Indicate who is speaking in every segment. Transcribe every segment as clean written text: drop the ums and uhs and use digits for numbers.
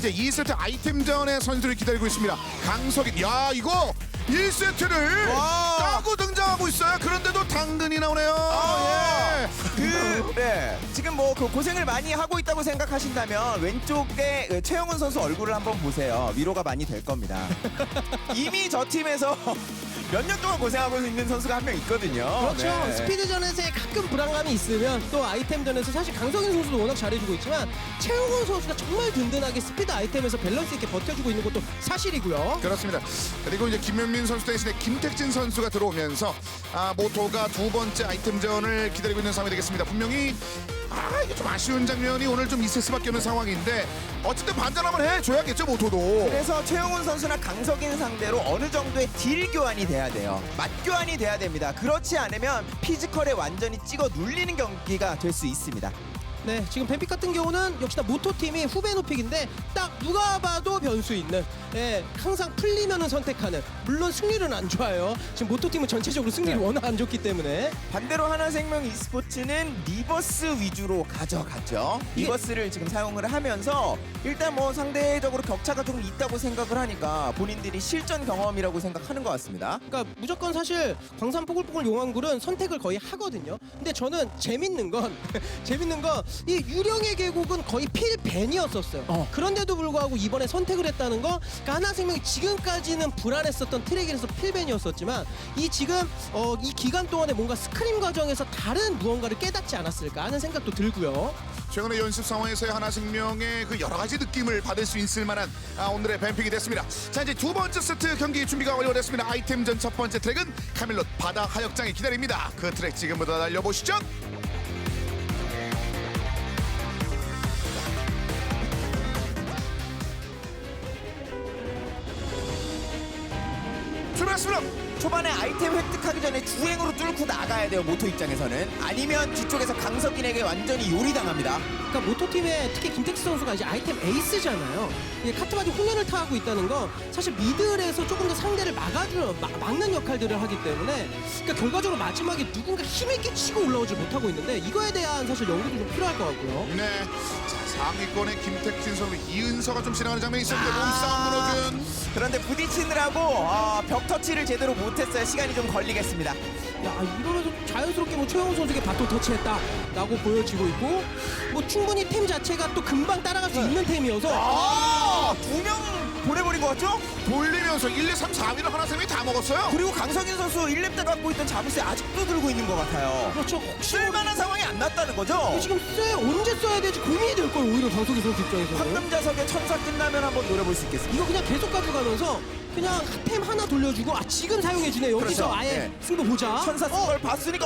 Speaker 1: 이제 2세트 아이템전의 선수를 기다리고 있습니다. 강석인, 야 이거 1세트를 따고 등장하고 있어요. 그런데도 당근이 나오네요.
Speaker 2: 지금 뭐 그 고생을 많이 하고 있다고 생각하신다면 왼쪽에 최영훈 선수 얼굴을 한번 보세요. 위로가 많이 될 겁니다. 이미 저 팀에서 몇 년 동안 고생하고 있는 선수가 한 명 있거든요.
Speaker 3: 그렇죠.
Speaker 2: 네.
Speaker 3: 스피드전에서의 가끔 불안감이 있으면 또 아이템전에서 사실 강성인 선수도 워낙 잘해주고 있지만 최용훈 선수가 정말 든든하게 스피드 아이템에서 밸런스 있게 버텨주고 있는 것도 사실이고요.
Speaker 1: 그렇습니다. 그리고 이제 김현민 선수 대신에 김택진 선수가 들어오면서 모토가 두 번째 아이템전을 기다리고 있는 상황이 되겠습니다. 분명히 이게 좀 아쉬운 장면이 오늘 좀 있을 수밖에 없는 상황인데 어쨌든 반전 한번 해줘야겠죠 모토도.
Speaker 2: 그래서 최영훈 선수나 강석인 상대로 어느 정도의 딜 교환이 돼야 돼요. 맛 교환이 돼야 됩니다. 그렇지 않으면 피지컬에 완전히 찍어 눌리는 경기가 될 수 있습니다.
Speaker 3: 네, 지금 뱀픽 같은 경우는 역시나 모토팀이 후배 노픽인데 딱 누가 봐도 변수 있는, 항상 풀리면은 선택하는, 물론 승률은 안 좋아요. 지금 모토팀은 전체적으로 승률이 워낙 안 좋기 때문에.
Speaker 2: 반대로 하나생명 e스포츠는 리버스 위주로 가져갔죠. 리버스를 지금 사용을 하면서 일단 뭐 상대적으로 격차가 조금 있다고 생각을 하니까 본인들이 실전 경험이라고 생각하는 것 같습니다.
Speaker 3: 그러니까 무조건 사실 광산 뽀글뽀글 용왕굴은 선택을 거의 하거든요. 근데 저는 재밌는 건 이 유령의 계곡은 거의 필벤이었었어요. 그런데도 불구하고 이번에 선택을 했다는 거, 그러니까 하나생명이 지금까지는 불안했었던 트랙에서 필벤이었었지만 이 지금 이 기간 동안에 뭔가 스크림 과정에서 다른 무언가를 깨닫지 않았을까 하는 생각도 들고요.
Speaker 1: 최근의 연습 상황에서의 하나생명의 그 여러 가지 느낌을 받을 수 있을 만한 오늘의 뱀픽이 됐습니다. 자, 이제 두 번째 세트 경기 준비가 완료됐습니다. 아이템전 첫 번째 트랙은 카멜롯 바다 하역장이 기다립니다. 그 트랙 지금부터 달려보시죠. 출발했습니다.
Speaker 2: 초반에 아이템 획득하기 전에 주행으로 뚫고 나가야 돼요. 모토 입장에서는. 아니면 뒤쪽에서 강석인에게 완전히 요리당합니다.
Speaker 3: 그러니까 모토팀의 특히 김택수 선수가 이제 아이템 에이스잖아요. 이게 카트바디 홍련을 타고 있다는 건 사실 미들에서 조금 더 상대를 막는 역할들을 하기 때문에, 그러니까 결과적으로 마지막에 누군가 힘있게 치고 올라오지 못하고 있는데 이거에 대한 사실 연구도 좀 필요할 것 같고요.
Speaker 1: 네. 자, 상위권의 김택진 선수, 이은서가 좀 지나가는 장면이 있었는데 몸싸움 무너진.
Speaker 2: 그런데 부딪히느라고 벽 터치를 제대로 못했어요. 시간이 좀 걸리겠습니다.
Speaker 3: 야, 이러면서 자연스럽게 뭐 최영훈 선수에게 바톤 터치했다라고 보여지고 있고, 뭐 충분히 템 자체가 또 금방 따라갈 수 있는 템이어서
Speaker 2: 두 명 보내버린 것 같죠?
Speaker 1: 돌리면서 1, 2, 3, 4위를 하나생명이 다 먹었어요.
Speaker 2: 그리고 강석인 선수 1렙 때 갖고 있던 자물쇠 아직도 들고 있는 것 같아요.
Speaker 3: 그렇죠. 혹시
Speaker 2: 쓸만한 상황이 안 났다는 거죠?
Speaker 3: 지금 언제 써야 될지 고민이 될 거예요. 오히려 강석희 선수 입장에서는.
Speaker 2: 황금자석의 천사 끝나면 한번 노려볼 수 있겠습니다.
Speaker 3: 이거 그냥 계속 가져가면서 그냥 템 하나 돌려주고 지금 사용해주네. 여기서
Speaker 2: 그렇죠.
Speaker 3: 아예
Speaker 2: 네.
Speaker 3: 승부 보자.
Speaker 2: 천사 쓴 걸 봤으니까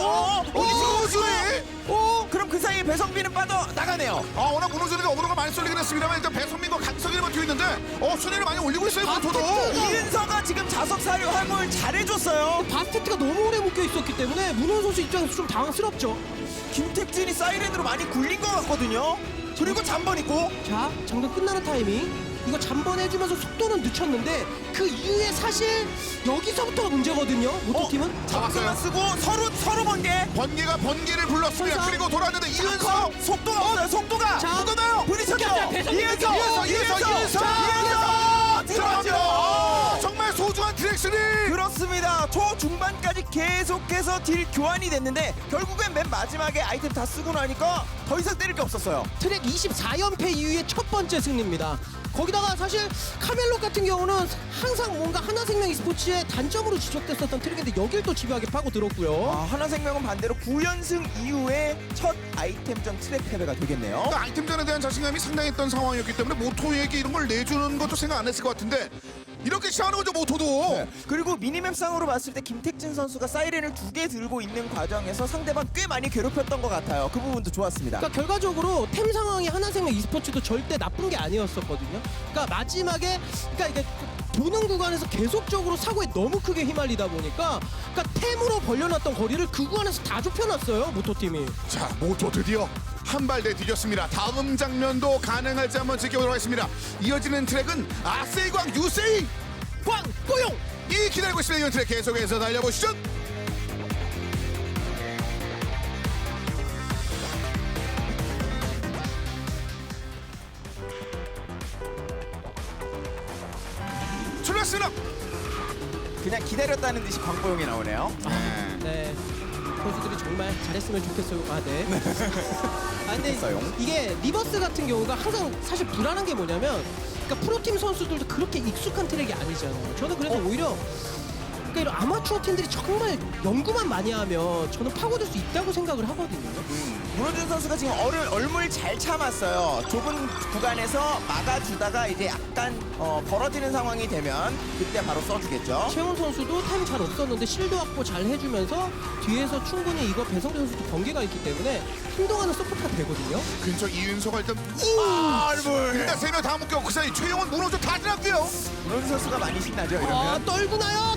Speaker 2: 그럼 그 사이에 배성빈은 빠져 나가네요.
Speaker 1: 워낙 문호준이가 어그로가 많이 쏠리긴 했습니다만 일단 배성민과 강석이를 버티고 있는데 순위를 많이 올리고 있어요. 모토도.
Speaker 2: 이은서가 지금 자석 사료 활용을 잘해줬어요.
Speaker 3: 바스테트가 너무 오래 묶여 있었기 때문에 문호 선수 입장에서 좀 당황스럽죠.
Speaker 2: 김택진이 사이렌으로 많이 굴린 것 같거든요. 그리고 잠번 있고.
Speaker 3: 자, 잠깐 끝나는 타이밍. 이거 잠번해주면서 속도는 늦췄는데 그 이후에 사실 여기서부터가 문제거든요. 모토팀은.
Speaker 2: 자석만 쓰고 서로 번개.
Speaker 1: 번개를 불렀습니다.
Speaker 3: 천사.
Speaker 1: 그리고 돌았는데 이은서
Speaker 2: 속도가 없어요. 속도가.
Speaker 3: 자,
Speaker 2: 누구나요? 부딪혔죠.
Speaker 3: 이은서
Speaker 2: 들어가죠.
Speaker 1: 정말 소중한 트랙스리.
Speaker 2: 그렇습니다. 초중반까지 계속해서 딜 교환이 됐는데 결국엔 맨 마지막에 아이템 다 쓰고 나니까 더 이상 때릴 게 없었어요.
Speaker 3: 트랙 24연패 이후에 첫 번째 승리입니다. 거기다가 사실 카멜롯 같은 경우는 항상 뭔가 하나생명 e스포츠의 단점으로 지적됐었던 트랙인데 여길 또 집요하게 파고들었고요.
Speaker 2: 하나생명은 반대로 9연승 이후에 첫 아이템전 트랙 패배가 되겠네요.
Speaker 1: 그러니까 아이템전에 대한 자신감이 상당했던 상황이었기 때문에 모토에게 이런 걸 내주는 것도 생각 안 했을 것 같은데 이렇게 시작하는 거죠 모토도.
Speaker 2: 네. 그리고 미니맵상으로 봤을 때 김택진 선수가 사이렌을 2개 들고 있는 과정에서 상대방 꽤 많이 괴롭혔던 것 같아요. 그 부분도 좋았습니다.
Speaker 3: 그러니까 결과적으로 템 상황이 하나생명 e스포츠도 절대 나쁜 게 아니었었거든요. 그러니까 마지막에 이게 도는 구간에서 계속적으로 사고에 너무 크게 휘말리다 보니까 템으로 벌려놨던 거리를 그 구간에서 다 좁혀놨어요 모토팀이.
Speaker 1: 자, 모토 드디어 한 발 내 뒤졌습니다. 다음 장면도 가능할지 한번 지켜보도록 하겠습니다. 이어지는 트랙은 아세이광 유세이
Speaker 3: 광고용
Speaker 1: 이 기다리고 있습니다. 이번 트랙 계속해서 달려보시죠. 출발했습니다.
Speaker 2: 그냥 기다렸다는 듯이 광고용이 나오네요.
Speaker 3: 네. 선수들이 정말 잘했으면 좋겠어요. 아, 네. 아, 근데
Speaker 2: 좋겠어요.
Speaker 3: 이게 리버스 같은 경우가 항상 사실 불안한 게 뭐냐면, 그러니까 프로팀 선수들도 그렇게 익숙한 트랙이 아니잖아요. 저는 그래서 오히려 그러니까 이런 아마추어 팀들이 정말 연구만 많이 하면 저는 파고들 수 있다고 생각을 하거든요.
Speaker 2: 문호준 선수가 지금 얼물 잘 참았어요. 좁은 구간에서 막아주다가 이제 약간 벌어지는 상황이 되면 그때 바로 써주겠죠.
Speaker 3: 최훈 선수도 타임이 잘 없었는데 실드 확보 잘 해주면서 뒤에서 충분히 이거 배성재 선수도 번개가 있기 때문에 한동안은 서포트가 되거든요.
Speaker 1: 근처 이윤서가 일단
Speaker 2: 얼물.
Speaker 1: 일단 3명 다 묶여 그 사이 최영원 문호준 다 지났고요.
Speaker 2: 문호준 선수가 많이 신나죠
Speaker 3: 아,
Speaker 2: 이러면.
Speaker 3: 떨구나요?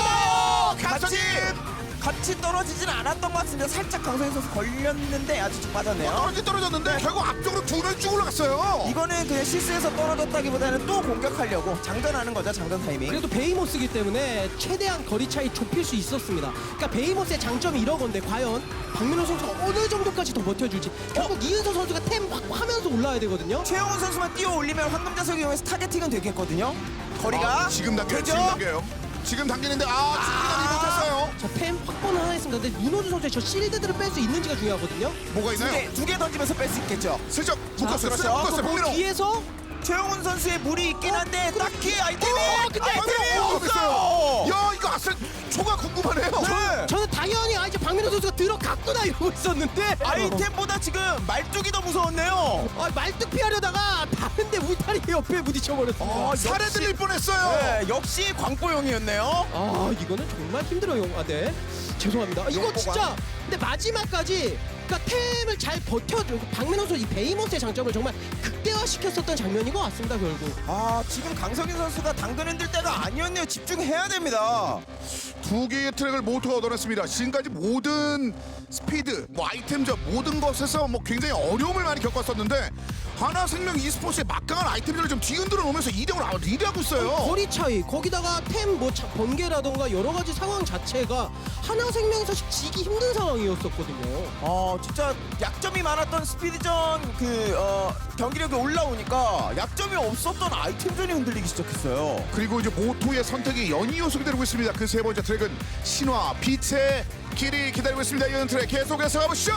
Speaker 2: 같이 떨어지진 않았던 것 같은데 살짝 강성현 선수 걸렸는데 아주 좀 빠졌네요.
Speaker 1: 떨어졌는데 결국 앞쪽으로 두 명 쭉 올라갔어요.
Speaker 2: 이거는 그냥 실수해서 떨어졌다기보다는 또 공격하려고 장전하는 거죠. 장전 타이밍.
Speaker 3: 그래도 베이모스기 때문에 최대한 거리 차이 좁힐 수 있었습니다. 그러니까 베이모스의 장점이 이런 건데 과연 박민호 선수가 어느 정도까지 더 버텨줄지. 결국 이은서 선수가 템 확 하면서 올라야 되거든요.
Speaker 2: 최영훈 선수만 뛰어 올리면 황금자석이 이용해서 타겟팅은 되겠거든요. 거리가
Speaker 1: 지금 당겨요.
Speaker 2: 되죠?
Speaker 1: 지금 당겨요. 지금 당기는데 충분히 못했어요.
Speaker 3: 자, 템 확보는 하나 했습니다. 근데 문호준 선수의 저 실드들을 뺄 수 있는지가 중요하거든요.
Speaker 1: 뭐가 있나요?
Speaker 2: 두 개 던지면서 뺄 수 있겠죠.
Speaker 1: 슬쩍 묶었어요.
Speaker 2: 그렇죠.
Speaker 1: 슬쩍 묶었어요.
Speaker 3: 그
Speaker 1: 박민호.
Speaker 3: 뒤에서
Speaker 2: 최영훈 선수의 물이 있긴 한데 딱히 아이템이
Speaker 1: 됐어요.
Speaker 2: 없어요.
Speaker 1: 야 이거 아슬 초가 궁금하네요.
Speaker 2: 네.
Speaker 3: 저는 당연히 이제 박민호 선수가 들어갔구나 이러고 있었는데
Speaker 2: 아이템보다 지금 말뚝이 더 무서웠네요.
Speaker 3: 말뚝 피하려다가 다른데 울타리 옆에 부딪혀버렸어요.
Speaker 1: 살해 들릴 뻔했어요.
Speaker 2: 네, 역시 광고용이었네요.
Speaker 3: 아 이거는 정말 힘들어요. 아, 네. 죄송합니다. 이거
Speaker 2: 용보관.
Speaker 3: 진짜 근데 마지막까지 그러니까 템을 잘 버텨줘. 박민호 선수 이 베이모스의 장점을 정말 극대화시켰었던 장면인 것 같습니다. 결국.
Speaker 2: 아 지금 강성인 선수가 당근 흔들 때가 아니었네요. 집중해야 됩니다.
Speaker 1: 두 개의 트랙을 모두가 얻어냈습니다. 지금까지 모든 스피드, 뭐 아이템전 모든 것에서 뭐 굉장히 어려움을 많이 겪었었는데 하나생명 e스포츠의 막강한 아이템들을 좀 뒤흔들어 놓으면서 2등으로 리드하고 있어요.
Speaker 3: 거리 차이 거기다가 템 뭐 번개라던가 여러 가지 상황 자체가 하나생명이 사실 지기 힘든 상황이었었거든요.
Speaker 2: 진짜 약점이 많았던 스피드전 경기력이 올라오니까 약점이 없었던 아이템전이 흔들리기 시작했어요.
Speaker 1: 그리고 이제 모토의 선택이 연이어서 기다리고 있습니다. 그 세 번째 트랙은 신화 빛의 길이 기다리고 있습니다. 이번 트랙 계속해서 가보시죠.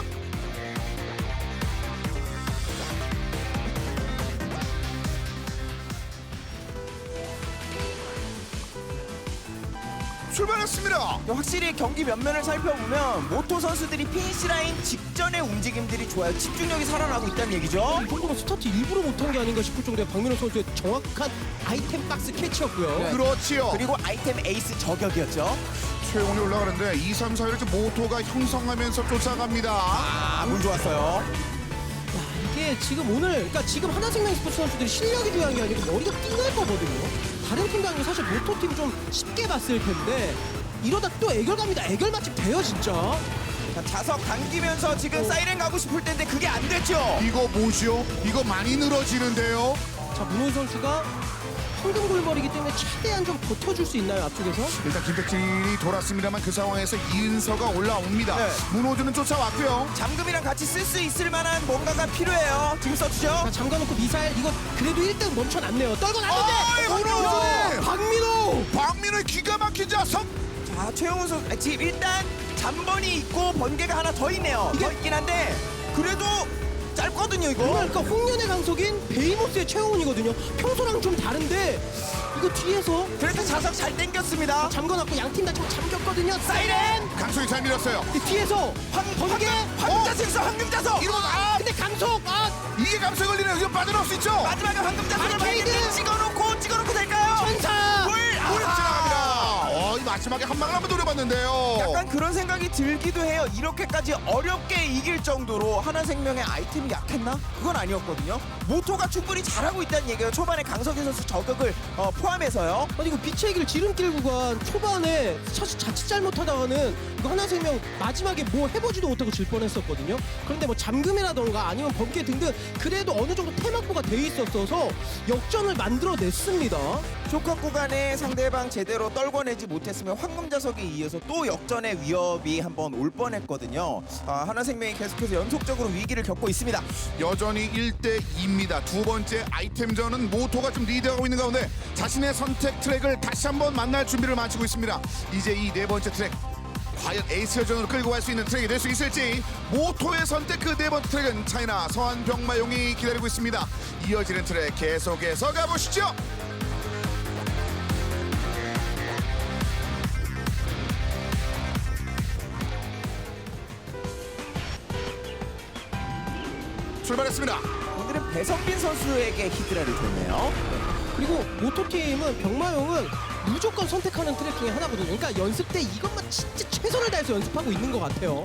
Speaker 1: 출발했습니다.
Speaker 2: 확실히 경기 면면을 살펴보면 모토 선수들이 피니시 라인 직전의 움직임들이 좋아요. 집중력이 살아나고 있다는 얘기죠.
Speaker 3: 이 정도면 스타트 일부러 못한 게 아닌가 싶을 정도의 박민호 선수의 정확한 아이템 박스 캐치였고요.
Speaker 2: 네.
Speaker 1: 그렇지요.
Speaker 2: 그리고 아이템 에이스 저격이었죠.
Speaker 1: 최용이 올라가는데 2, 3, 4위를 지금 모토가 형성하면서 쫓아갑니다.
Speaker 2: 물 좋았어요.
Speaker 3: 이게 지금 오늘 그러니까 지금 하나생명 스포츠 선수들이 실력이 중요한 게 아니고 머리가 띵할 거거든요. 다른 팀과는 사실 모토팀 좀 쉽게 봤을 텐데 이러다 또 애결 갑니다. 애결 맛집 돼요 진짜.
Speaker 2: 자, 자석 당기면서 지금 사이렌 가고 싶을 텐데 그게 안 됐죠.
Speaker 1: 이거 뭐죠? 이거 많이 늘어지는데요.
Speaker 3: 자 문호 선수가 황금 골머리기 때문에 최대한 좀 버텨줄 수 있나요 앞쪽에서?
Speaker 1: 일단 김백진이 돌았습니다만 그 상황에서 이은서가 올라옵니다.
Speaker 2: 네.
Speaker 1: 문호준은 쫓아왔고요.
Speaker 2: 잠금이랑 같이 쓸 수 있을 만한 뭔가가 필요해요. 지금 써주죠.
Speaker 3: 자 잠가놓고 미사일 이거 그래도 1등 멈춰놨네요. 떨고
Speaker 1: 어이,
Speaker 3: 났는데
Speaker 1: 문호준!
Speaker 3: 박민호!
Speaker 1: 박민호의 기가 막힌 자석.
Speaker 2: 자 최영훈 선수 지금 일단 잠번이 있고 번개가 하나 더 있네요.
Speaker 3: 이게-
Speaker 2: 더 있긴 한데 그래도 짧거든요 이거.
Speaker 3: 그러니까 홍련의 강석인 베이모스의 최홍훈이거든요. 평소랑 좀 다른데 이거 뒤에서
Speaker 2: 그래서 자석 잘 당겼습니다.
Speaker 3: 잠궈놨고 양팀 다 좀 잠겼거든요.
Speaker 2: 사이렌!
Speaker 1: 강소희 잘 밀었어요.
Speaker 3: 근데 뒤에서 번개
Speaker 2: 황금자석 있어 황금자석!
Speaker 1: 이러면
Speaker 3: 근데 강석
Speaker 1: 이게 감소에 걸리네요. 이거 빠져나올 수 있죠.
Speaker 2: 마지막에 황금자석을
Speaker 3: 바리케이드!
Speaker 2: 만약에 찍어놓고 될까요?
Speaker 3: 천사
Speaker 2: 물!
Speaker 1: 지나갑니다. 이 마지막에 한 방을 한번 노려봤는데요.
Speaker 2: 약간 그런 생각이 들기도 해요. 이렇게까지 어렵게 이길 정도로 하나생명의 아이템이 약했나? 그건 아니었거든요. 모토가 충분히 잘하고 있다는 얘기예요. 초반에 강석희 선수 저격을 포함해서요.
Speaker 3: 아니 이거 빛의 길 지름길 구간 초반에 사실 자칫 잘못하다가는 이거 하나생명 마지막에 뭐 해보지도 못하고 질 뻔했었거든요. 그런데 뭐 잠금이라던가 아니면 번개 등등 그래도 어느 정도 템 확보가 돼 있었어서 역전을 만들어냈습니다.
Speaker 2: 쇼컷 구간에 상대방 제대로 떨궈내지 못했으면 황금자석에 이어서 또 역전의 위협이 한번 올 뻔했거든요. 하나생명이 계속해서 연속적으로 위기를 겪고 있습니다.
Speaker 1: 여전히 1대 2입니다. 2입니다. 두 번째 아이템전은 모토가 좀 리드하고 있는 가운데 자신의 선택 트랙을 다시 한번 만날 준비를 마치고 있습니다. 이제 이 네 번째 트랙 과연 에이스 여전으로 끌고 갈 수 있는 트랙이 될 수 있을지 모토의 선택 그 네 번째 트랙은 차이나 서한 병마용이 기다리고 있습니다. 이어지는 트랙 계속해서 가보시죠. 출발했습니다.
Speaker 2: 오늘은 배성빈 선수에게 히드라를 줬네요.
Speaker 3: 그리고 모토팀은 병마용은 무조건 선택하는 트랙 중에 하나거든요. 그러니까 연습 때 이것만 진짜 최선을 다해서 연습하고 있는 것 같아요.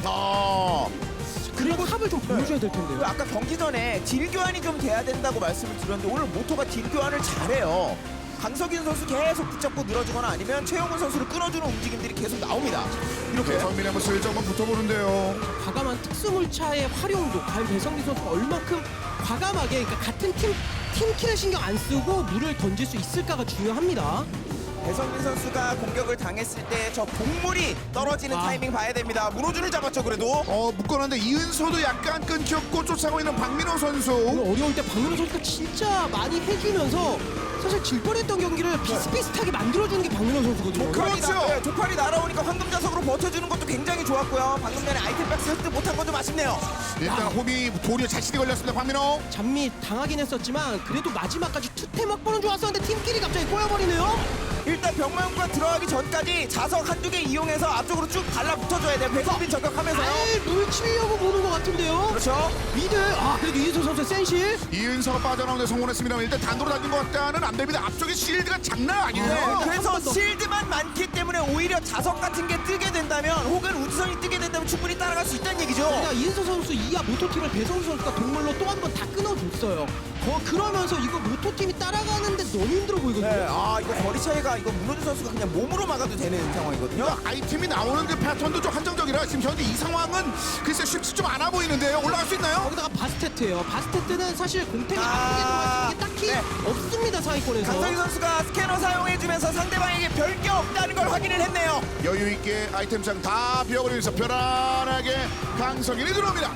Speaker 3: 그리고 탑을 좀 보여줘야 될 텐데요.
Speaker 2: 그 아까 경기 전에 딜 교환이 좀 돼야 된다고 말씀을 드렸는데 오늘 모토가 딜 교환을 잘해요. 강석인 선수 계속 붙잡고 늘어주거나 아니면 최용훈 선수를 끊어주는 움직임들이 계속 나옵니다. 이렇게
Speaker 1: 배성민이 한번 슬쩍 한번 붙어보는데요.
Speaker 3: 과감한 특수물차의 활용도 과연 배성민 선수가 얼만큼 과감하게 그러니까 같은 팀킬을 신경 안 쓰고 물을 던질 수 있을까가 중요합니다.
Speaker 2: 배성민 선수가 공격을 당했을 때 저 동물이 떨어지는 타이밍 봐야 됩니다. 문호준을 잡았죠 그래도.
Speaker 1: 묶어놨는데 이은서도 약간 끊겼고 쫓아가고 있는 박민호 선수.
Speaker 3: 오늘 어려울 때 박민호 선수가 진짜 많이 해주면서 사실 질 뻔했던 경기를 비슷비슷하게 만들어주는 게 박민호 선수거든요.
Speaker 1: 그렇죠.
Speaker 2: 조팔이 날아오니까 황금자석으로 버텨주는 것도 굉장히 좋았고요. 방금 전에 아이템 박스 획득 못한 건 좀 아쉽네요.
Speaker 1: 일단 홈이 도리어 자신이 걸렸습니다. 박민호.
Speaker 3: 잠미 당하긴 했었지만 그래도 마지막까지 투템 확보는 좋았었는데 팀끼리 갑자기 꼬여버리네요.
Speaker 2: 일단 병마용과 들어가기 전까지 자석 한두 개 이용해서 앞쪽으로 쭉 달라붙어줘야 돼요. 배성빈 저격하면서요.
Speaker 3: 물 치려고 보는 것 같은데요.
Speaker 2: 그렇죠.
Speaker 3: 미드 그래도 이은서 선수의 센실.
Speaker 1: 이은서가 빠져나오는데 성공했습니다만 일단 단도로 달린 것 같다는 안 됩니다. 앞쪽에 실드가 장난 아니에요.
Speaker 2: 네, 그래서
Speaker 3: 한번 더.
Speaker 2: 실드만 많기 때문에 오히려 자석 같은 게 뜨게 된다면 혹은 우주선이 뜨게 된다면 충분히 따라갈 수 있다는 얘기죠.
Speaker 3: 그러니까 이은서 선수 이하 모토팀을 배성수 선수가 동물로 또 한 번 다 끊어줬어요. 그러면서 이거 모토팀이 따라가는데 너무 힘들어 보이거든요.
Speaker 2: 네, 이거 거리 차이가 이거 문호준 선수가 그냥 몸으로 막아도 되는 상황이거든요.
Speaker 1: 그러니까 아이템이 나오는 그 패턴도 좀 한정적이라 지금 현재 이 상황은 글쎄 쉽지 좀 않아 보이는데요. 올라갈 수 있나요?
Speaker 3: 거기다가 바스테트예요. 바스테트는 사실 공탱이 아프게 들어갈 수 있는 게 딱히 없습니다 상위권에서.
Speaker 2: 강성희 선수가 스캐너 사용해주면서 상대방에게 별 게 없다는 걸 확인을 했네요.
Speaker 1: 여유 있게 아이템장 다 비워버리면서 편안하게 강성인이 들어옵니다.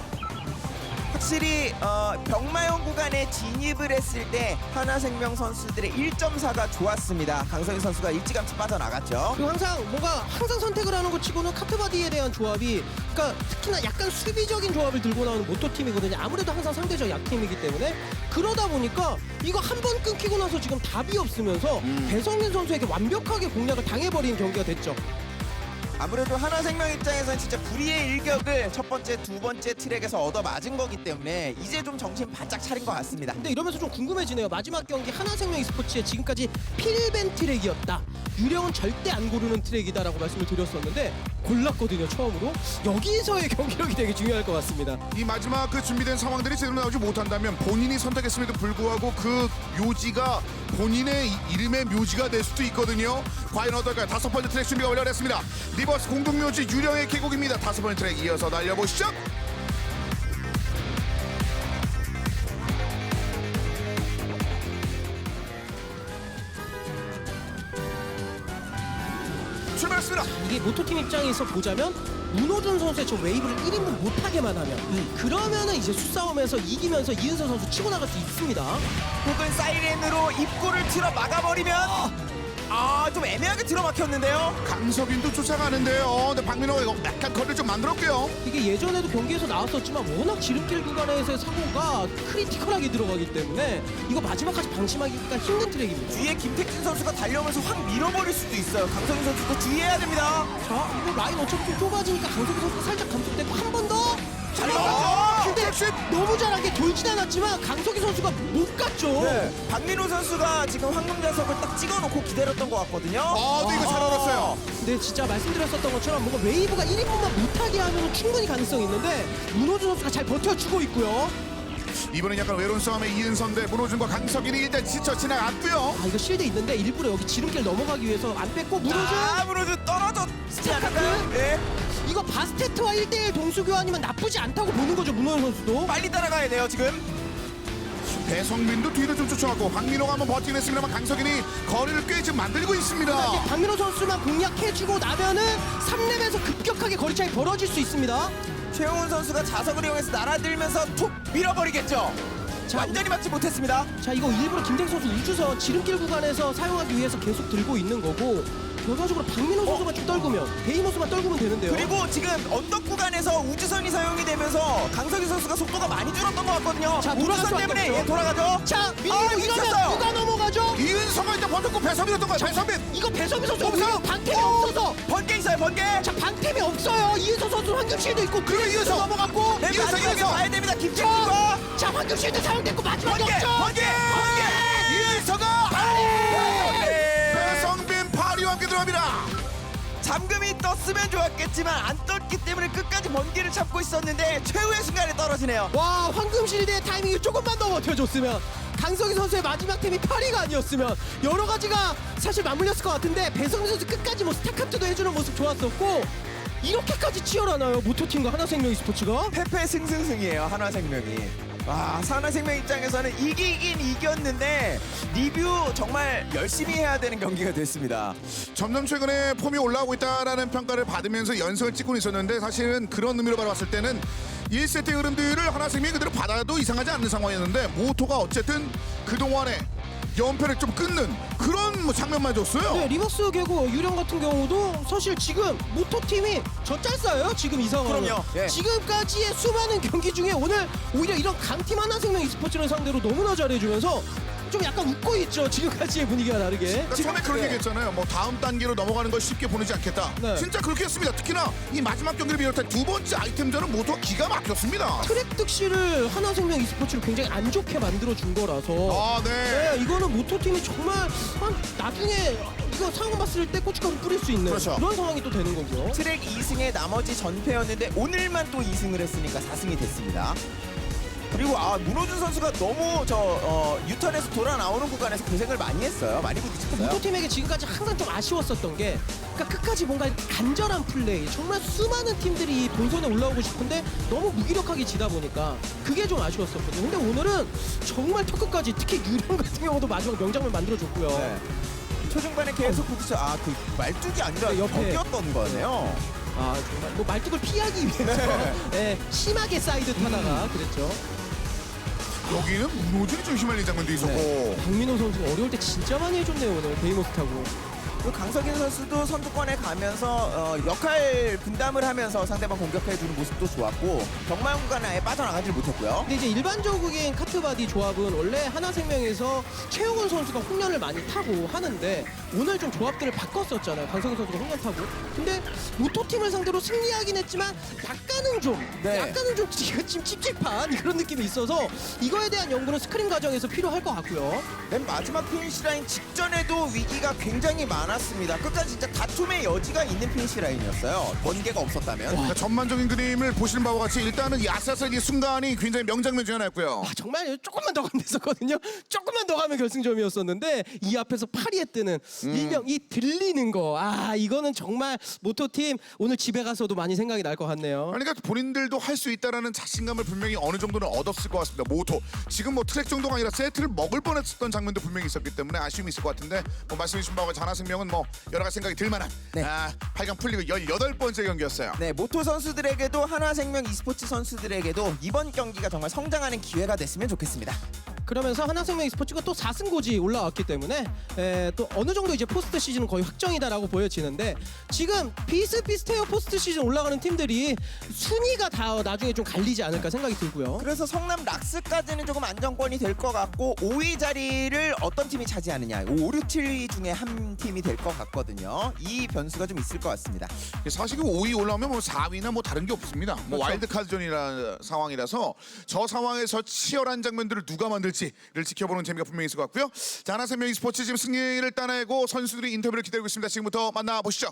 Speaker 2: 확실히 병마용 구간에 진입을 했을 때 하나생명 선수들의 1.4가 좋았습니다. 강성희 선수가 일찌감치 빠져나갔죠.
Speaker 3: 그리고 항상 선택을 하는 것 치고는 카트바디에 대한 조합이 그러니까 특히나 약간 수비적인 조합을 들고 나오는 모토팀이거든요. 아무래도 항상 상대적 약팀이기 때문에 그러다 보니까 이거 한 번 끊기고 나서 지금 답이 없으면서 배성민 선수에게 완벽하게 공략을 당해버린 경기가 됐죠.
Speaker 2: 아무래도 하나생명 입장에서는 진짜 불의의 일격을 첫 번째, 두 번째 트랙에서 얻어맞은 거기 때문에 이제 좀 정신 바짝 차린 것 같습니다.
Speaker 3: 근데 이러면서 좀 궁금해지네요. 마지막 경기 하나생명 e스포츠의 지금까지 필벤 트랙이었다. 유령은 절대 안 고르는 트랙이다라고 말씀을 드렸었는데 골랐거든요 처음으로. 여기서의 경기력이 되게 중요할 것 같습니다.
Speaker 1: 이 마지막 그 준비된 상황들이 제대로 나오지 못한다면 본인이 선택했음에도 불구하고 그 묘지가 본인의 이름의 묘지가 될 수도 있거든요. 과연 어떨까요? 다섯 번째 트랙 준비가 완료됐습니다. 리버스 공동묘지 유령의 계곡입니다. 다섯 번째 트랙 이어서 날려보시죠. 출발했습니다.
Speaker 3: 이게 모토팀 입장에서 보자면 문호준 선수의 저 웨이브를 1인분 못하게만 하면 그러면은 이제 수싸움에서 이기면서 이은서 선수 치고 나갈 수 있습니다.
Speaker 2: 혹은 사이렌으로 입구를 틀어 막아버리면 좀 애매하게 들어막혔는데요.
Speaker 1: 강석인도 쫓아가는데요. 근데 박민호가 이거 약간 거리를 좀 만들었고요.
Speaker 3: 이게 예전에도 경기에서 나왔었지만 워낙 지름길 구간에서의 사고가 크리티컬하게 들어가기 때문에 이거 마지막까지 방심하기가 힘든 트랙입니다.
Speaker 2: 뒤에 김택진 선수가 달려오면서 확 밀어버릴 수도 있어요. 강성희 선수도 주의해야 됩니다.
Speaker 3: 자, 이거 라인 어차피 좀 좁아지니까 강석희 선수가 살짝 감속되고 한 번 더!
Speaker 2: 잘 막았죠?
Speaker 3: 근데 너무 잘한 게 돌진 않았지만 강석희 선수가 못 갔죠.
Speaker 2: 박민호 선수가 지금 황금자석을 딱 찍어놓고 기다렸던 것 같거든요.
Speaker 1: 근데 이거 잘 알았어요.
Speaker 3: 근데 진짜 말씀드렸었던 것처럼 뭔가 웨이브가 1인분만 못하게 하면 충분히 가능성이 있는데 문호준 선수가 잘 버텨주고 있고요.
Speaker 1: 이번엔 약간 외로운 싸움의 이은선대 문호준과 강석인이 일단 지쳐 지나갔고요.
Speaker 3: 이거 실드 있는데 일부러 여기 지름길 넘어가기 위해서 안 뺐고 문호준
Speaker 2: 문호준 떨어졌지 않을까요?
Speaker 3: 스타트?
Speaker 2: 네.
Speaker 3: 이거 바스테트와 1대1 동수 교환이면 나쁘지 않다고 보는 거죠 문호준 선수도.
Speaker 2: 빨리 따라가야 돼요 지금.
Speaker 1: 배성민도 뒤를 좀 쫓아가고 박민호가 한번 버티긴 했습니다만 강석인이 거리를 꽤 지금 만들고 있습니다.
Speaker 3: 이제 박민호 선수만 공략해주고 나면은 3렙에서 급격하게 거리 차이 벌어질 수 있습니다.
Speaker 2: 최용훈 선수가 자석을 이용해서 날아들면서 툭 밀어버리겠죠. 완전히 맞지 못했습니다.
Speaker 3: 자, 이거 일부러 김태경 선수 우주선 지름길 구간에서 사용하기 위해서 계속 들고 있는 거고 결과적으로 박민호 선수만 좀 떨구면 데이모스만 떨구면 되는데요.
Speaker 2: 그리고 지금 언덕 구간에서 우주선이 사용이 되면서 강석희 선수가 속도가 많이 줄었던 것 같거든요.
Speaker 3: 자, 돌아갈
Speaker 2: 우주선
Speaker 3: 수밖에
Speaker 2: 때문에
Speaker 3: 없죠.
Speaker 2: 예, 돌아가죠.
Speaker 3: 자, 밀리고
Speaker 2: 아,
Speaker 3: 이러면
Speaker 2: 미쳤어요.
Speaker 3: 누가 넘어가죠?
Speaker 1: 이은성은 일단 번쩍고 배선빈이었던 거야. 배선빈.
Speaker 3: 이거 배선미 선수
Speaker 1: 없어요?
Speaker 3: 오히려 방템이 없어서
Speaker 2: 번개 있어요, 번개.
Speaker 3: 자, 방템이 없어요. 이은서 선수 황금실도 있고
Speaker 1: 그리고 이은서
Speaker 3: 넘어갔고
Speaker 2: 네,
Speaker 1: 이은서,
Speaker 2: 마지막에
Speaker 1: 이은서.
Speaker 2: 봐야 됩니다. 김태균과
Speaker 3: 자, 황금실도 사용됐고 마지막에
Speaker 2: 번개,
Speaker 3: 없죠.
Speaker 2: 번개, 번개.
Speaker 1: 이은서가 배성빈 파리와 함께 들어갑니다.
Speaker 2: 잠금이 떴으면 좋았겠지만 안 떴기 때문에 끝까지 번개를 잡고 있었는데 최후의 순간에 떨어지네요.
Speaker 3: 와, 황금실드의 타이밍이 조금만 더 버텨줬으면 강석희 선수의 마지막 템이 파리가 아니었으면 여러 가지가 사실 맞물렸을 것 같은데 배성민 선수 끝까지 뭐 스타카트도 해주는 모습 좋았었고 이렇게까지 치열하나요? 모토팀과 하나생명 e스포츠가?
Speaker 2: 패패 승승승이에요, 한화생명이. 와, 한화생명 입장에서는 이기긴 이겼는데 리뷰 정말 열심히 해야 되는 경기가 됐습니다.
Speaker 1: 점점 최근에 폼이 올라오고 있다라는 평가를 받으면서 연승을 찍고 있었는데 사실은 그런 의미로 바라봤을 때는 1세트의 흐름들을 하나생명이 그대로 받아도 이상하지 않는 상황이었는데 모토가 어쨌든 그동안에 연패를 좀 끊는 그런 뭐 장면만 줬어요.
Speaker 3: 네, 리버스 개구 유령 같은 경우도 사실 지금 모토팀이 젖잘싸요 지금 이 상황은.
Speaker 2: 그럼요. 예.
Speaker 3: 지금까지의 수많은 경기 중에 오늘 오히려 이런 강팀 하나생명 e스포츠를 상대로 너무나 잘해주면서 좀 약간 웃고 있죠. 지금까지의 분위기가 다르게.
Speaker 1: 그러니까 처음에 그런
Speaker 2: 네.
Speaker 1: 얘기했잖아요. 뭐 다음 단계로 넘어가는 걸 쉽게 보내지 않겠다.
Speaker 3: 네.
Speaker 1: 진짜 그렇게 했습니다. 특히나 이 마지막 경기를 비롯한 두 번째 아이템전은 모두가 기가 막혔습니다.
Speaker 3: 트랙 득실을 하나생명 e스포츠를 굉장히 안 좋게 만들어준 거라서
Speaker 1: 아, 네.
Speaker 3: 네, 이거는 모토팀이 정말 나중에 이거 상황 봤을 때 고춧가루 뿌릴 수 있는
Speaker 2: 그렇죠.
Speaker 3: 런 상황이 또 되는 거고요.
Speaker 2: 트랙 2승에 나머지 전패였는데 오늘만 또 2승을 했으니까 4승이 됐습니다. 그리고 문호준 선수가 너무 유턴에서 돌아 나오는 구간에서 고생을 많이 했어요. 많이 부딪혔어요.
Speaker 3: 모토팀에게 지금까지 항상 좀 아쉬웠었던 게 그러니까 끝까지 뭔가 이렇게 간절한 플레이 정말 수많은 팀들이 이 본선에 올라오고 싶은데 너무 무기력하게 지다 보니까 그게 좀 아쉬웠었거든요. 근데 오늘은 정말 턱끝까지 특히 유령 같은 경우도 마지막 명장면 만들어줬고요.
Speaker 2: 네. 초중반에 계속 부딪혀 그 말뚝이 아니라
Speaker 3: 네, 옆에.
Speaker 2: 벽이었던 거네요.
Speaker 3: 아 정말 뭐 말뚝을 피하기 위해서 네, 심하게 사이드 타다가 그랬죠.
Speaker 1: 여기는 문호준이 좀 휘말린 장면도 있었고.
Speaker 2: 네.
Speaker 3: 박민호 선수가 어려울 때 진짜 많이 해줬네요 오늘 데이모스 타고.
Speaker 2: 그리고 강석인 선수도 선두권에 가면서 역할 분담을 하면서 상대방 공격해주는 모습도 좋았고 경마 구간에 아예 빠져나가질 못했고요.
Speaker 3: 근데 이제 일반적인 카트바디 조합은 원래 하나생명에서 최용훈 선수가 홍련을 많이 타고 하는데 오늘 좀 조합들을 바꿨었잖아요. 강성희 선수가 홍련 타고. 근데 모토팀을 상대로 승리하긴 했지만 약간은 좀 지금 찝찝한 그런 느낌이 있어서 이거에 대한 연구는 스크린 과정에서 필요할 것 같고요.
Speaker 2: 맨 마지막 피니시 라인 직전에도 위기가 굉장히 많았습니다. 끝까지 진짜 다툼의 여지가 있는 피니시 라인이었어요. 번개가 없었다면.
Speaker 1: 그러니까 전반적인 그림을 보시는 바와 같이 일단은 야사슬 이 순간이 굉장히 명장면 중 하나였고요.
Speaker 3: 아, 정말 조금만 더 가면 됐었거든요. 조금만 더 가면 결승점이었었는데 이 앞에서 파리에 뜨는 일명 이 들리는 거. 아 이거는 정말 모토팀 오늘 집에 가서도 많이 생각이 날 것 같네요.
Speaker 1: 그러니까 본인들도 할 수 있다라는 자신감을 분명히 어느 정도는 얻었을 것 같습니다. 모토 지금 뭐 트랙 정도가 아니라 세트를 먹을 뻔했었던 장면도 분명히 있었기 때문에 아쉬움이 있을 것 같은데 뭐 말씀해 주신 바와 같이 하나생명은 뭐 여러 가지 생각이 들 만한
Speaker 2: 네.
Speaker 1: 8강 풀리고 18번째 경기였어요.
Speaker 2: 네, 모토 선수들에게도 한화생명 e스포츠 선수들에게도 이번 경기가 정말 성장하는 기회가 됐으면 좋겠습니다.
Speaker 3: 그러면서 하나생명 e스포츠가 또 4승 고지 올라왔기 때문에 또 어느 정도 이제 포스트 시즌은 거의 확정이다라고 보여지는데 지금 비슷비슷해요. 포스트 시즌 올라가는 팀들이 순위가 다 나중에 좀 갈리지 않을까 생각이 들고요.
Speaker 2: 그래서 성남 락스까지는 조금 안정권이 될 것 같고 5위 자리를 어떤 팀이 차지하느냐 5, 6, 7위 중에 한 팀이 될 것 같거든요. 이 변수가 좀 있을 것 같습니다.
Speaker 1: 사실 5위 올라오면 뭐 4위나 뭐 다른 게 없습니다. 뭐
Speaker 3: 그렇죠.
Speaker 1: 와일드카드전이라는 상황이라서 저 상황에서 치열한 장면들을 누가 만들지를 지켜보는 재미가 분명히 있을 것 같고요. 자, 하나생명 e스포츠 지금 승리를 따내고 선수들이 인터뷰를 기다리고 있습니다. 지금부터 만나보시죠.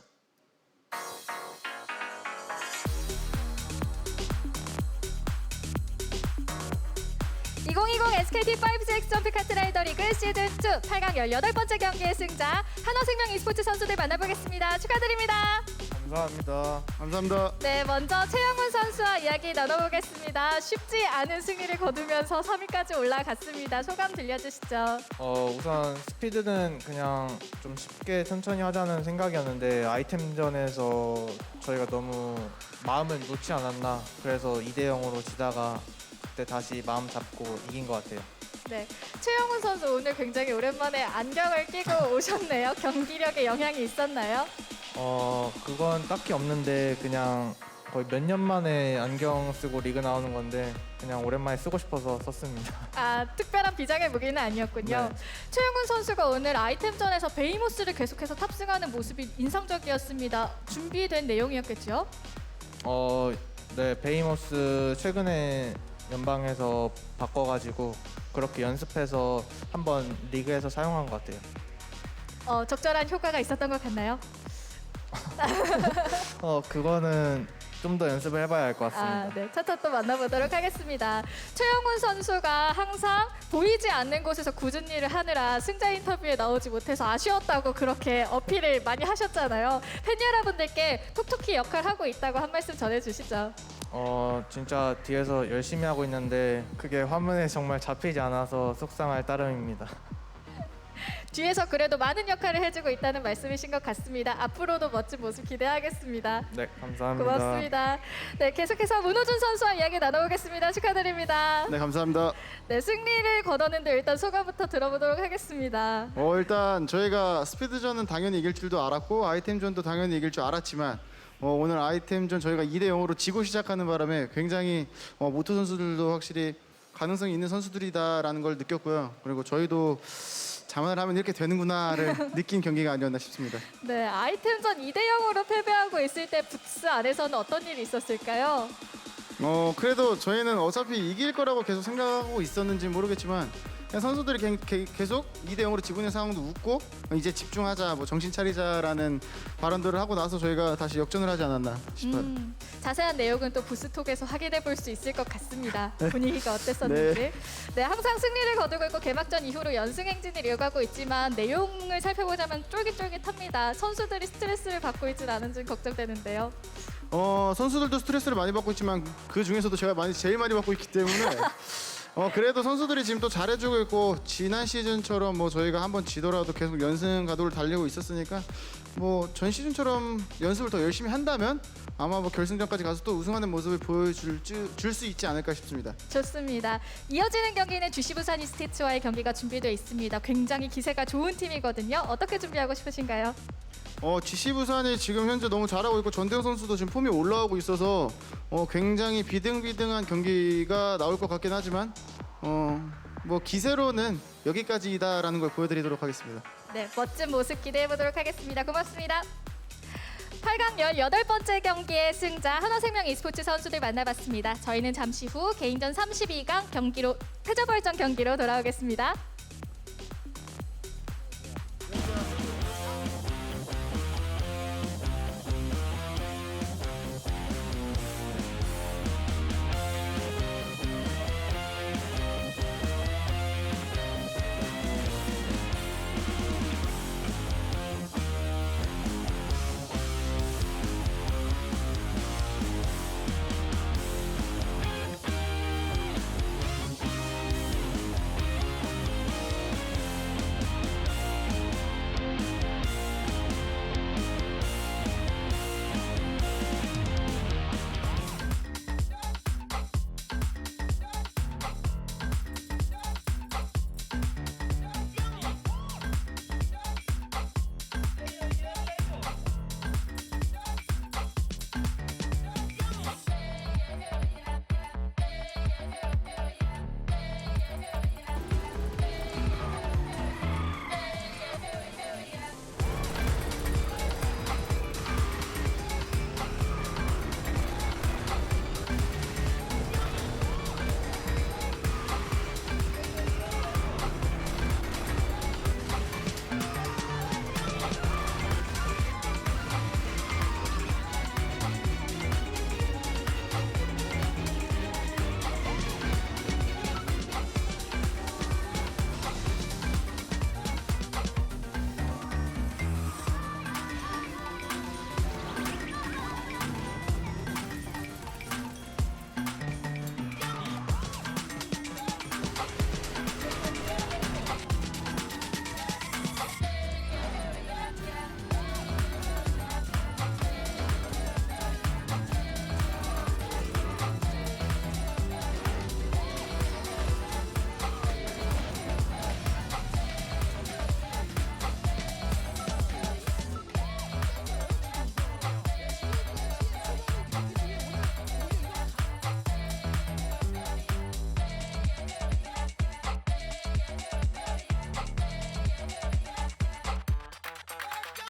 Speaker 4: 2020 SKT5GX 점프 카트 라이더 리그 시즌2 8강 18번째 경기의 승자 한화생명 e스포츠 선수들 만나보겠습니다. 축하드립니다.
Speaker 5: 감사합니다.
Speaker 1: 감사합니다.
Speaker 4: 네, 먼저 최영훈 선수와 이야기 나눠보겠습니다. 쉽지 않은 승리를 거두면서 3위까지 올라갔습니다. 소감 들려주시죠.
Speaker 5: 우선 스피드는 그냥 좀 쉽게 천천히 하자는 생각이었는데 아이템전에서 저희가 너무 마음을 놓지 않았나. 그래서 2대 0으로 지다가 그때 다시 마음 잡고 이긴 것 같아요.
Speaker 4: 네, 최영훈 선수 오늘 굉장히 오랜만에 안경을 끼고 오셨네요. 경기력에 영향이 있었나요?
Speaker 5: 그건 딱히 없는데 그냥 거의 몇 년 만에 안경 쓰고 리그 나오는 건데 그냥 오랜만에 쓰고 싶어서 썼습니다.
Speaker 4: 아, 특별한 비장의 무기는 아니었군요.
Speaker 5: 네.
Speaker 4: 최영훈 선수가 오늘 아이템전에서 베이모스를 계속해서 탑승하는 모습이 인상적이었습니다. 준비된 내용이었겠죠?
Speaker 5: 네, 베이모스 최근에 연방에서 바꿔가지고 그렇게 연습해서 한번 리그에서 사용한 것 같아요.
Speaker 4: 적절한 효과가 있었던 것 같나요?
Speaker 5: 그거는 좀 더 연습을 해봐야 할 것 같습니다.
Speaker 4: 아, 네. 차차 또 만나보도록 하겠습니다. 최영훈 선수가 항상 보이지 않는 곳에서 굳은 일을 하느라 승자 인터뷰에 나오지 못해서 아쉬웠다고 그렇게 어필을 많이 하셨잖아요. 팬 여러분들께 톡톡히 역할하고 있다고 한 말씀 전해주시죠.
Speaker 5: 진짜 뒤에서 열심히 하고 있는데 그게 화면에 정말 잡히지 않아서 속상할 따름입니다.
Speaker 4: 뒤에서 그래도 많은 역할을 해주고 있다는 말씀이신 것 같습니다. 앞으로도 멋진 모습 기대하겠습니다.
Speaker 5: 네, 감사합니다.
Speaker 4: 고맙습니다. 네, 계속해서 문호준 선수와 이야기 나눠보겠습니다. 축하드립니다.
Speaker 6: 네, 감사합니다.
Speaker 4: 네, 승리를 거뒀는데 일단 소감부터 들어보도록 하겠습니다.
Speaker 6: 일단 저희가 스피드전은 당연히 이길 줄도 알았고 아이템전도 당연히 이길 줄 알았지만 오늘 아이템전 저희가 2대 0으로 지고 시작하는 바람에 굉장히 모토 선수들도 확실히 가능성이 있는 선수들이다라는 걸 느꼈고요. 그리고 저희도 자만을 하면 이렇게 되는구나를 느낀 경기가 아니었나 싶습니다.
Speaker 4: 네, 아이템전 2대 0으로 패배하고 있을 때 부스 안에서는 어떤 일이 있었을까요?
Speaker 6: 그래도 저희는 어차피 이길 거라고 계속 생각하고 있었는지 모르겠지만 그냥 선수들이 계속 2대 0으로 지고 있는 상황도 웃고 이제 집중하자, 뭐 정신 차리자라는 발언들을 하고 나서 저희가 다시 역전을 하지 않았나 싶어요.
Speaker 4: 자세한 내용은 또 부스톡에서 확인해 볼 수 있을 것 같습니다. 분위기가 어땠었는지. 네, 항상 승리를 거두고 있고 개막전 이후로 연승 행진을 이어가고 있지만 내용을 살펴보자면 쫄깃쫄깃합니다. 선수들이 스트레스를 받고 있지는 않은지 걱정되는데요.
Speaker 6: 선수들도 스트레스를 많이 받고 있지만 그 중에서도 제가 제일 많이 받고 있기 때문에 그래도 선수들이 지금 또 잘해주고 있고 지난 시즌처럼 뭐 저희가 한번 지더라도 계속 연승 가도를 달리고 있었으니까 뭐 전 시즌처럼 연습을 더 열심히 한다면 아마 뭐 결승전까지 가서 또 우승하는 모습을 보여줄 수 있지 않을까 싶습니다.
Speaker 4: 좋습니다. 이어지는 경기는 GC 부산 이스티츠와의 경기가 준비되어 있습니다. 굉장히 기세가 좋은 팀이거든요. 어떻게 준비하고 싶으신가요?
Speaker 6: GC 부산이 지금 현재 너무 잘하고 있고 전대웅 선수도 지금 폼이 올라오고 있어서 굉장히 비등비등한 경기가 나올 것 같긴 하지만 뭐 기세로는 여기까지다라는 걸 보여드리도록 하겠습니다.
Speaker 4: 네, 멋진 모습 기대해 보도록 하겠습니다. 고맙습니다. 8강 18번째 경기의 승자 하나생명 e스포츠 선수들 만나봤습니다. 저희는 잠시 후 개인전 32강 경기로 패자부활전 경기로 돌아오겠습니다.